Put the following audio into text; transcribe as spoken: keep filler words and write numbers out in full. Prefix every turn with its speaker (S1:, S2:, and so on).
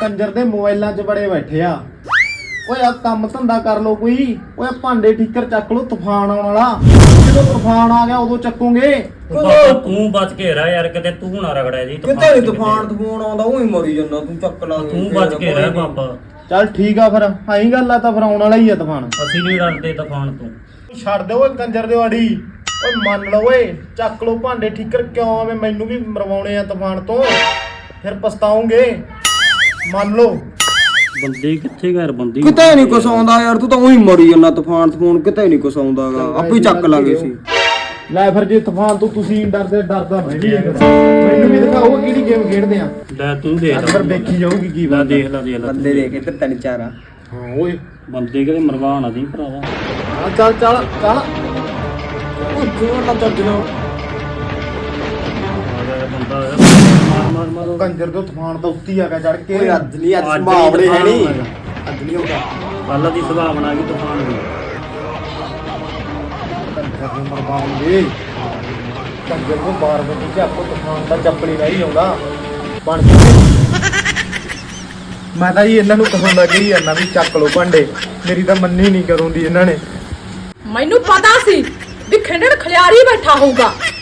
S1: ਕੰਜਰ ਦੇ ਮੋਬਾਈਲਾਂ 'ਚ ਬੜੇ ਬੈਠੇ ਆ। ਓਏ ਆ ਕੰਮ ਧੰਦਾ ਕਰ ਲੋ ਕੋਈ। ਓਏ ਭਾਂਡੇ ਠੀਕਰ ਚੱਕ ਲੋ, ਤੂਫਾਨ ਆਉਣ ਵਾਲਾ। ਜਦੋਂ ਤੂਫਾਨ ਆ ਗਿਆ ਉਦੋਂ ਚੱਕੂਗੇ।
S2: ਤੂੰ ਬਚ ਕੇ ਰਹਿ ਯਾਰ, ਕਿਤੇ ਤੂੰ ਨਾ ਰਗੜਿਆ ਜੀ।
S3: ਕਿਤੇ ਨੀ ਤੂਫਾਨ ਤੂਫਾਨ ਆਉਂਦਾ, ਉਹੀ ਮਰੀ ਜਾਂਦਾ ਤੂੰ। ਚੱਕ ਲਾ
S2: ਤੂੰ ਬਚ ਕੇ ਰਹਿ ਬਾਬਾ।
S1: ਚੱਲ ਠੀਕ ਆ ਫਿਰ, ਆਈ ਗੱਲ ਆ ਤਾਂ ਫਿਰ ਆਉਣ ਵਾਲਾ ਹੀ ਆ ਤੂਫਾਨ।
S2: ਅਸੀਂ ਨਹੀਂ ਡਰਦੇ ਤੂਫਾਨ ਤੋਂ।
S1: ਛੱਡ ਦੇ ਓਏ ਕੰਜਰ ਦੇ ਵਾੜੀ। ਓਏ ਮੰਨ ਲਓ ਓਏ, ਚੱਕ ਲੋ ਭਾਂਡੇ ਠੀਕਰ। ਕਿਉਂ ਐਵੇਂ ਮੈਨੂੰ ਵੀ ਮਰਵਾਉਣੇ ਆ ਤੂਫਾਨ ਤੋਂ, ਫਿਰ ਪਛਤਾਉਂਗੇ। ਮੰਨ ਲਓ
S2: ਬੰਦੇ ਕਿੱਥੇ ਘਰ ਬੰਦੀ
S3: ਕਿਤੇ ਨੀ ਕੁਛ ਆਉਂਦਾ ਯਾਰ, ਤੂੰ ਤਾਂ ਉਹੀ ਮਰੀ ਜਾਂਦਾ। ਤੂਫਾਨ ਤੂਫਾਨ ਕਿਤੇ ਨੀ ਕੁਛ ਆਉਂਦਾਗਾ, ਆਪੇ ਚੱਕ ਲਾਂਗੇ ਅਸੀਂ।
S1: ਲੈ ਫਿਰ ਜੇ ਤੂਫਾਨ ਤੋਂ ਤੁਸੀਂ ਡਰਦੇ, ਡਰਦਾ ਮੈਂ ਵੀ ਮੈਨੂੰ ਵੀ ਦਿਖਾਓ ਕਿਹੜੀ ਗੇਮ ਖੇਡਦੇ ਆ।
S2: ਲੈ ਤੂੰ ਦੇਖ
S1: ਫਿਰ ਦੇਖੀ ਜਾਊਗੀ ਕੀ
S2: ਲੈ, ਦੇਖ ਲੈ ਦੇਖ ਲੈ
S3: ਬੰਦੇ ਦੇਖ ਇੱਧਰ ਤਿੰਨ ਚਾਰ ਆ।
S1: ਹਾਂ ਓਏ
S2: ਬੰਦੇ ਕਿਤੇ ਮਰਵਾਣਾ ਨਹੀਂ ਭਰਾਵਾ।
S1: ਹਾਂ ਚੱਲ ਚੱਲ ਚੱਲ।
S3: ਉਹ ਜੋਰ ਨਾਲ ਚੱਜ ਨਾਲ
S2: ਬੰਦਾ ਮਾਰ ਮਾਰ ਮਾਰ
S1: ਕੰਜਰ ਤੋਂ ਤੂਫਾਨ ਤਾਂ ਉੱਤੀ ਆ ਗਿਆ ਚੜ ਕੇ।
S3: ਕੋਈ ਅੱਜ ਨਹੀਂ, ਅੱਜ ਸੰਭਾਵਨੇ ਹੈ ਨਹੀਂ, ਅੱਜ ਨਹੀਂ ਹੁੰਦਾ।
S2: ਕੱਲ ਦੀ ਸੰਭਾਵਨਾ ਕੀ ਤੂਫਾਨ ਦੀ।
S1: ਕੰਜਰ ਨੂੰ ਮਰਵਾਉਂਗੇ। ਕੰਜਰ ਨੂੰ ਬਾਰ ਬੰਦੀ ਕਿ ਆਪੋ ਤੂਫਾਨ ਦਾ ਚੱਪਲੀ ਨਹੀਂ ਆਉਂਦਾ ਬਣ ਮੈਂ ਤਾਂ ਜੀ ਇਹਨਾਂ ਨੂੰ ਕਹਣ ਲੱਗੀ ਜਾਂਦਾ ਵੀ ਚੱਕ ਲੋ ਭਾਂਡੇ। ਮੇਰੀ ਤਾਂ ਮੰਨੀ ਨਹੀਂ ਕਰੂੰਦੀ ਇਹਨਾਂ ਨੇ।
S4: ਮੈਨੂੰ ਪਤਾ ਸੀ ਵੀ ਖਿੰਡੜ ਖਲਿਆਰੀ ਬੈਠਾ ਹੋਊਗਾ।